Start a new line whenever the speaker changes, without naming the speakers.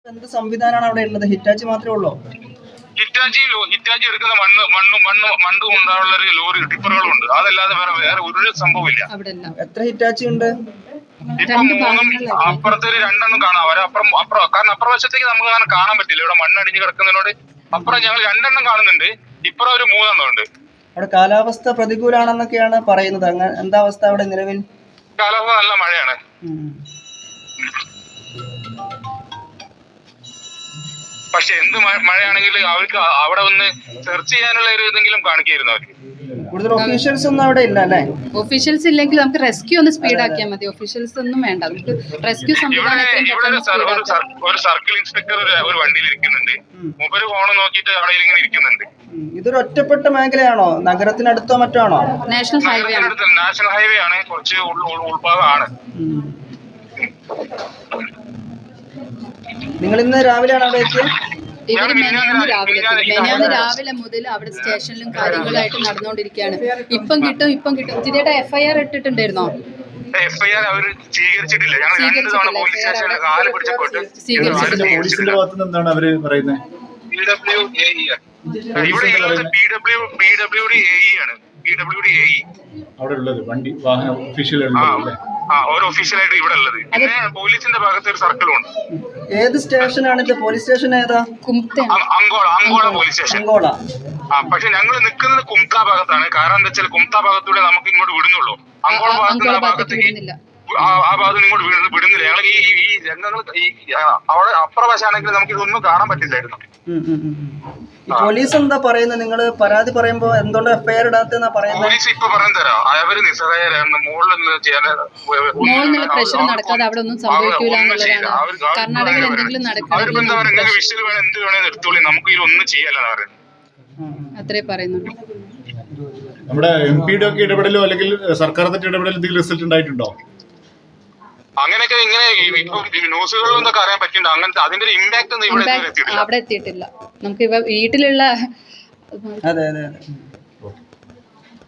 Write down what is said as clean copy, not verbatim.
എന്ത് സംവിധാനമാണ് അവിടെ ഉള്ളത്? ഹിറ്റാച്ചി മാത്രമേ ഉള്ളൂ?
ഹിറ്റാച്ചി എടുക്കുന്ന മണ്ണ് കൊണ്ടുള്ള ഒരു ലോറി ടിപ്പറുകളുണ്ട്. അതല്ലാതെ വേറെ ഒരു സംഭവമില്ല.
എത്ര ഹിറ്റാച്ചി ഉണ്ട്?
ഇപ്പൊ 3 അപ്പുറത്തെ 2 കാണാം. കാരണം അപ്പുറവശത്തേക്ക് നമുക്ക് അങ്ങനെ കാണാൻ പറ്റില്ല. ഇവിടെ മണ്ണടിഞ്ഞ് കിടക്കുന്നതിനോട് അപ്പുറം ഞങ്ങൾ 2 കാണുന്നുണ്ട്. ഇപ്പുറം ഒരു 3 ഉണ്ട്.
അവിടെ കാലാവസ്ഥ പ്രതികൂലാണെന്നൊക്കെയാണ് പറയുന്നത്. എന്താ അവസ്ഥ അവിടെ നിലവിൽ?
കാലാവസ്ഥ നല്ല മഴയാണ്. പക്ഷെ എന്ത് മഴയാണെങ്കിലും അവർക്ക് അവിടെ ഒന്ന് സെർച്ച് ചെയ്യാനുള്ള ഒരു ഇതെങ്കിലും കാണിക്കായിരുന്നു അവർക്ക്.
കൂടുതൽ ഒഫീഷ്യൽസ് ഒന്നും അവിടെ ഇല്ല അല്ലേ?
ഒഫീഷ്യൽസ് ഇല്ലെങ്കിൽ നമുക്ക് റെസ്ക്യൂ ഒന്ന് സ്പീഡ് ആക്കിയാൽ മതി. ഒഫീഷ്യൽസ് ഒന്നും വേണ്ട, നമുക്ക് റെസ്ക്യൂ
ഒരു സർക്കിൾ ഇൻസ്പെക്ടർ ഒരു വണ്ടിയിൽ ഇരിക്കുന്നുണ്ട്. മൂപ്പര് ഫോൺ നോക്കിയിട്ട് അവിടെ ഇങ്ങനെ ഇരിക്കുന്നുണ്ട്.
ഇതൊരു ഒറ്റപ്പെട്ട മേഖലയാണോ? നഗരത്തിനടുത്തോ മറ്റോ ആണോ?
നാഷണൽ
ഹൈവേ ആണ്. കുറച്ച് ഉൾഭാഗമാണ്.
നിങ്ങൾ ഇന്ന് രാവിലെയാണ് അവിടെ എത്തിയത്?
ഇവര് മെനാന്ന് രാവിലെ മുതൽ അവിടെ സ്റ്റേഷനിലും കാര്യങ്ങളായിട്ട് നടന്നുകൊണ്ടിരിക്കുകയാണ്. ഇപ്പം കിട്ടും. ജിതയുടെ FIR ഇട്ടിട്ടുണ്ടായിരുന്നോ?
FIR അവർ സ്വീകരിച്ചിട്ടില്ല.
പോലീസിന്റെ ഭാഗത്തുനിന്ന് എന്താണ് അവര് പറയുന്നത്? അവിടെ ഉള്ളത് വണ്ടി വാഹന ഒഫീഷ്യൽ
ഓരോ ഒഫീഷ്യലായിട്ട് ഇവിടെ ഉള്ളത്. പിന്നെ പോലീസിന്റെ ഭാഗത്ത് ഒരു സർക്കിളും ഉണ്ട്.
ഏത് സ്റ്റേഷനാണ് ഇത്? പോലീസ് സ്റ്റേഷൻ ഏതാ?
Ankola police station.
അങ്കോള.
പക്ഷെ ഞങ്ങൾ നിൽക്കുന്നത് കുംത്ത ഭാഗത്താണ്. കാരണം എന്താ വെച്ചാൽ കുംത്ത ഭാഗത്തൂടെ നമുക്ക് ഇങ്ങോട്ട് വിടുന്നുള്ളൂ. അങ്കോള ഭാഗത്തേക്ക് ആ ഭാഗത്ത് ഇങ്ങോട്ട് വിടുന്നില്ല. ഞങ്ങൾ ഈ രംഗങ്ങൾ അവിടെ അപ്പുറവശാണെങ്കിൽ നമുക്ക് ഇതൊന്നും കാണാൻ പറ്റില്ലായിരുന്നു.
പോലീസ് എന്താ പറയുന്നത്? നിങ്ങൾ പരാതി പറയുമ്പോ എന്തുകൊണ്ട് FIR ഇടാത്തെന്നാ പറയുന്നത്?
പോലീസ് ഇപ്പൊ പറഞ്ഞു തരാം. അവര് നിസ്സഹായരായിരുന്നു.
മുകളിൽ പ്രശ്നം നടക്കാതെ അവിടെ ഒന്നും സംഭവിക്കൂല എന്നുള്ളതാണ്. കർണാടകയിൽ എന്തെങ്കിലും
നടക്കുന്നത് വിഷയം വേണം, എന്ത് വേണേലും എടുത്തോളി, നമുക്ക് ഇതിലൊന്നും ചെയ്യാനാണ് പറയുന്നത്.
അത്രേ പറയുന്നുള്ളൂ.
നമ്മുടെ MP-യുടെ ഒക്കെ ഇടപെടലോ അല്ലെങ്കിൽ സർക്കാർ ഇടപെടലോ എന്തെങ്കിലും റിസൾട്ട് ഉണ്ടായിട്ടുണ്ടോ?
അങ്ങനെയൊക്കെ ഇങ്ങനെ ന്യൂസുകളിൽ നിന്നൊക്കെ അറിയാൻ പറ്റുന്നുണ്ട്. അങ്ങനത്തെ അതിന്റെ ഒരു ഇമ്പാക്ട് ഒന്നും ഇവിടെ
അവിടെ എത്തിയിട്ടില്ല. നമുക്ക് വീട്ടിലുള്ള
അതെ